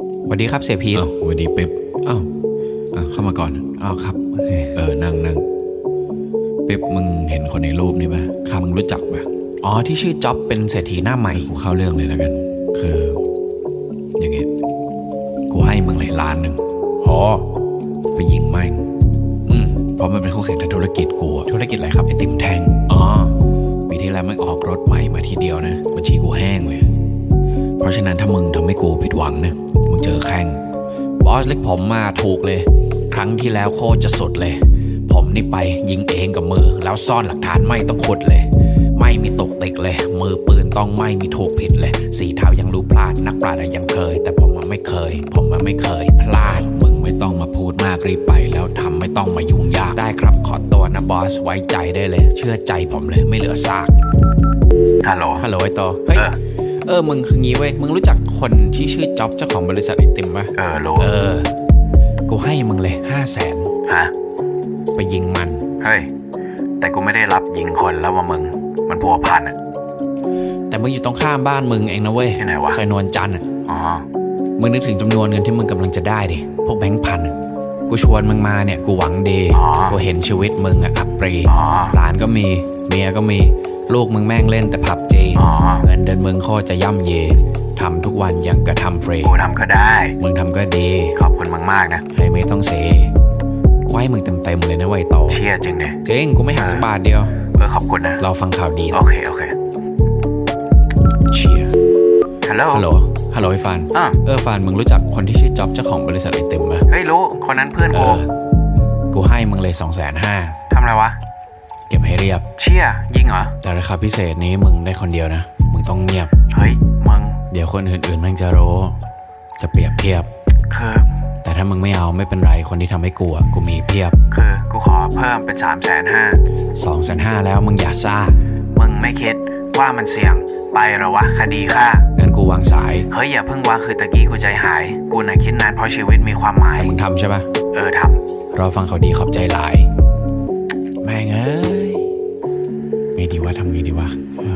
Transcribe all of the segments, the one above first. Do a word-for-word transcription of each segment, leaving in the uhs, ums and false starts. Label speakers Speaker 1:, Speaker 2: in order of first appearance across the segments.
Speaker 1: สวัสดีครับเสียพีท
Speaker 2: อ้าวสวัสดีเป๊ป
Speaker 1: อ้าว
Speaker 2: อ่ะเข้ามาก่อน
Speaker 1: อ้าวครับโอเค
Speaker 2: เออนั่งนั่งเป๊ปมึงเห็นคนในรูปนี้ป่ะข้ามึงรู้จักป่ะ
Speaker 1: อ๋อที่ชื่อจ๊อบเป็นเศรษฐีหน้าใหม่
Speaker 2: กูเข้าเรื่องเลยแล้วกัน คืออย่างเงี้ยกูให้มึงเลยล้านหนึ่ง
Speaker 1: โอ้
Speaker 2: ไปยิงแม่ง
Speaker 1: อืม
Speaker 2: เพราะมันเป็นคู่แข่งทางธุรกิจกูอะ
Speaker 1: ธุรกิจอะไรครับ
Speaker 2: ไอติมแท่ง
Speaker 1: อ๋อ
Speaker 2: ปีที่แล้วมันออกรถใหม่มาทีเดียวนะบัญชีกูแห้งเลยเพราะฉะนั้นถ้ามึงทำให้กูผิดหวังนะมึงเจอแข่ง
Speaker 1: บอสเล็กผมมาถูกเลยครั้งที่แล้วโคตรจะสุดเลยผมนี่ไปยิงเองกับมือแล้วซ่อนหลักฐานไม่ต้องขุดเลยไม่มีตกติกเลยมือปืนต้องไม่มีถูกผิดเลยสีเท้ายังรู้พลาดนักปราชญ์ยังเคยแต่ผมมันไม่เคยผมมันไม่เคยพลาด
Speaker 2: มึงไม่ต้องมาพูดมากรีบไปแล้วทำไม่ต้องมายุ่งยาก
Speaker 1: ได้ครับขอตัวนะบอสไว้ใจได้เลยเชื่อใจผมเลยไม่เหลือซาก
Speaker 2: ฮัลโหล
Speaker 1: ฮัลโหลไอโตเฮ้ยเออมึงคืองี้เว้ยมึงรู้จักคนที่ชื่อจ๊อบเจ้าของบริษัทไอติมป่ะ
Speaker 2: เออรู้
Speaker 1: เออกูให้มึงเลยห้าแสน
Speaker 2: ฮะ
Speaker 1: ไปยิงมัน
Speaker 2: เฮ้ยแต่กูไม่ได้รับยิงคนแล้วว่ามึงมันพัวพันอ่ะ
Speaker 1: แต่มึงอยู่ตรงข้ามบ้านมึงเองนะเว้ย
Speaker 2: ที่ไหนวะ
Speaker 1: ซอยนวลจันทร์อ่ะ
Speaker 2: อ๋อ
Speaker 1: มึงนึกถึงจำนวนเงินที่มึงกำลังจะได้ดิพวกแบงค์พันกูชวนมึงมาเนี่ยกูหวังดีกูเห็นชีวิตมึงอะอับปรีหลานก็มีเมียก็มีลูกมึงแม่งเล่นแต่ผับจีเงินเดือนมึงโคตรจะย่ำเยทำทุกวันยังกระทำฟรี
Speaker 2: กูทำก็ได้
Speaker 1: มึงทำก็ดี
Speaker 2: ขอบคุณมึงมากนะ
Speaker 1: ให้ไม่ต้องเสียกูให้มึงเต็มๆเลยนะไวโต
Speaker 2: เชี่ยจริงเนี่ย
Speaker 1: จริงกูไม่หักสักบาทเดียว
Speaker 2: เออขอบคุณนะ
Speaker 1: เราฟังข่าวดี
Speaker 2: โอเคโอเค
Speaker 1: เชียร์
Speaker 2: ฮัลโหล
Speaker 1: ฮัลโหลฮัลโหลไอ้ฟาน
Speaker 2: อ่ะ
Speaker 1: เออฟานมึงรู้จักคนที่ชื่อจ๊อบเจ้าของบริษัทไอติมป่ะ
Speaker 2: เฮ้ยรู้คนนั้นเพื่อนกู
Speaker 1: กูให้มึงเลยสองแสนห้า
Speaker 2: ทำอะไรวะ
Speaker 1: เก็บให้เรียบ
Speaker 2: เชี่ยยิงเหรอ
Speaker 1: แต่ราคาพิเศษนี้มึงได้คนเดียวนะมึงต้องเงียบ
Speaker 2: เฮ้ยมึง
Speaker 1: เดี๋ยวคนอื่นๆแม่งจะรู้จะเปรียบเทียบ
Speaker 2: คือ
Speaker 1: แต่ถ้ามึงไม่เอาไม่เป็นไรคนที่ทำให้กูกูมีเพียบ
Speaker 2: คือกูขอเพิ่มเป็นสามแสนห้า
Speaker 1: สองแสนห้าแล้วมึงอย่าซ่า
Speaker 2: มึงไม่คิดว่ามันเสี่ยงไปหรอวะคดีฆ่า
Speaker 1: งั้นกูวางสาย
Speaker 2: เฮ้ยอย่าเพิ่งวางคือตะกี้กูใจหายกูน่ะคิดนานเพราะชีวิตมีความหมาย
Speaker 1: แต่มึงทำใช่ปะ
Speaker 2: เออท
Speaker 1: ำรอฟังเขาดีขอบใจหลายแม่งเอ้ยไม่ดีว่าทำไงดีวะ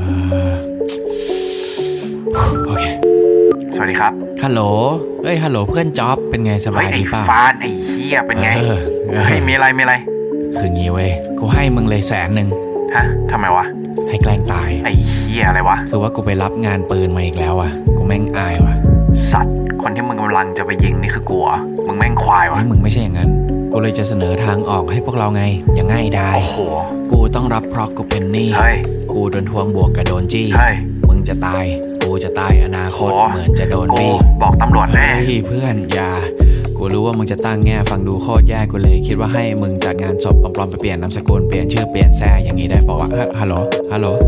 Speaker 1: โอเค
Speaker 2: สวัสดีครับ
Speaker 1: ฮัลโหลเอ้ยฮัลโหลเพื่อนจ๊อบเป็นไงสบายดีป่ะ
Speaker 2: ฟานไอ้เหี้ยเป็นไงเฮ้ยมีอะไรมีอะไร
Speaker 1: คืองี้เว้ยกูให้มึงเลยแสนหนึ่ง
Speaker 2: ฮะทำไมวะ
Speaker 1: ให้แกล้งตาย
Speaker 2: ไอ้เหี้ยอะไรวะ
Speaker 1: คือว่ากูไปรับงานปืนมาอีกแล้วอ่ะกูแม่งอายว่ะ
Speaker 2: สัตว์คนที่มึงกำลังจะไปยิงนี่คือกูเหรอมึงแม่งควายวะ
Speaker 1: มึงไม่ใช่อย่างนั้นกูเลยจะเสนอทางออกให้พวกเราไงอย่างง่ายดาย
Speaker 2: โอ้โห
Speaker 1: กูต้องรับเพราะกูเป็นหนี้
Speaker 2: เฮ้ย
Speaker 1: กูโดนทวงบวกกับโดนจี้
Speaker 2: เฮ้ย
Speaker 1: มึงจะตายกูจะตายอนาคตเหมือนจะโดนบี้
Speaker 2: บอกตำรวจแน่
Speaker 1: เฮ้ยเพื่อนอย่ากูรู้ว่ามึงจะตั้งแง่ฟังดูโคตรแย่กูเลยคิดว่าให้มึงจัดงานศพปลอมๆไปเปลี่ยนนามสกุลเปลี่ยนชื่อเปลี่ยนแซ่อย่างนี้ได้ป่าวะฮัลโหลฮัลโหล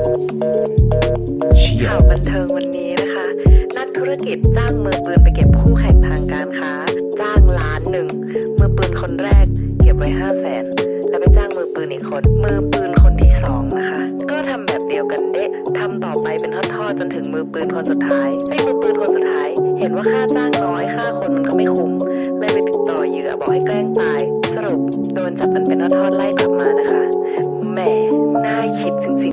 Speaker 3: ข่าวบันเทิงวันนี้นะคะนักธุรกิจจ้างมือปืนไปเก็บคู่แข่งทางการค้าจ้างล้านหนึ่งมือปืนคนแรกเก็บไว้ห้าแสนแล้วไปจ้างมือปืนอีกคนมือปืนคนที่สองนะคะก็ทำแบบเดียวกันเด๊ะทำต่อไปเป็นทอดๆจนถึงมือปืนคนสุดท้ายไอ้มือปืนคนสุดท้ายเห็นว่าค่าจ้างน้อยค่าคนมันก็ไม่คุ้มเลยไปติดต่อเหยื่อบอกให้แกล้งตายสรุปโดนจับกันเป็นทอดๆไล่กลับมานะคะแหมน่าคิดจริงๆ